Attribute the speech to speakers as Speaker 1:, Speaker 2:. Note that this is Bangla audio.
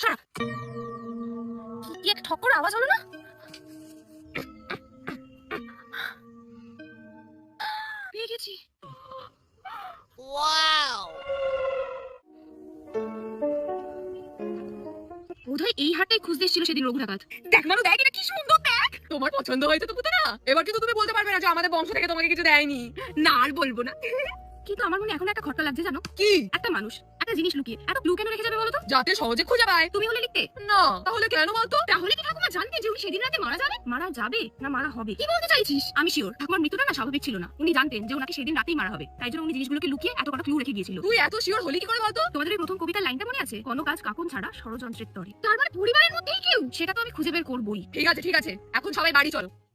Speaker 1: ছাড়া। কি এক ঠক করে আওয়াজ হলো না? পেয়ে গেছি। বোধহয় এই হাটটাই খুঁজতে এসেছিল সেদিন রঘু ডাকাত। দেখ মানু, দেখ এটা কি সুন্দর, দেখ। তোমার পছন্দ হয়েছে তো পুতেরা? এবার কিন্তু তুমি বলতে পারবে না যে আমাদের বংশ থেকে তোমাকে কিছু দেয়নি। না আর বলবো না। কিন্তু আমার মনে এখন একটা খটকা লাগছে জানো কি? একটা মানুষ একটা জিনিস লুকিয়ে এত ক্লু কেন রেখে যাবে বলো তো? যাতে সহজে খুঁজে পায়। তুমি হলে লিখতে না? তাহলে কেন বলতো? তাহলে কি ঠাকুমা জানতে যে উনি সেদিন রাতে মারা যাবে? মারা যাবে না মারা হবে? কি বলতে চাইছিস? আমি শিওর ঠাকুমার মৃত্যুটা না স্বাভাবিক ছিল না। উনি জানতেন যে ওনাকে সেদিন রাতেই মারা হবে, তাই জন্য উনি জিনিসগুলোকে লুকিয়ে এত কটা ক্লু রেখে গিয়েছিল। তুই এত শিওর হলি কি করে বলতো? তোমাদের এই প্রথম কবিতার লাইনটা মনে আছে? কোনো কাজ কাকুন ছাড়া ষড়যন্ত্রের তরে। তার মানে পরিবারের মধ্যেই কেউ? সেটা তো আমি খুঁজে বের করবই। ঠিক আছে এখন সবাই বাড়ি চলো।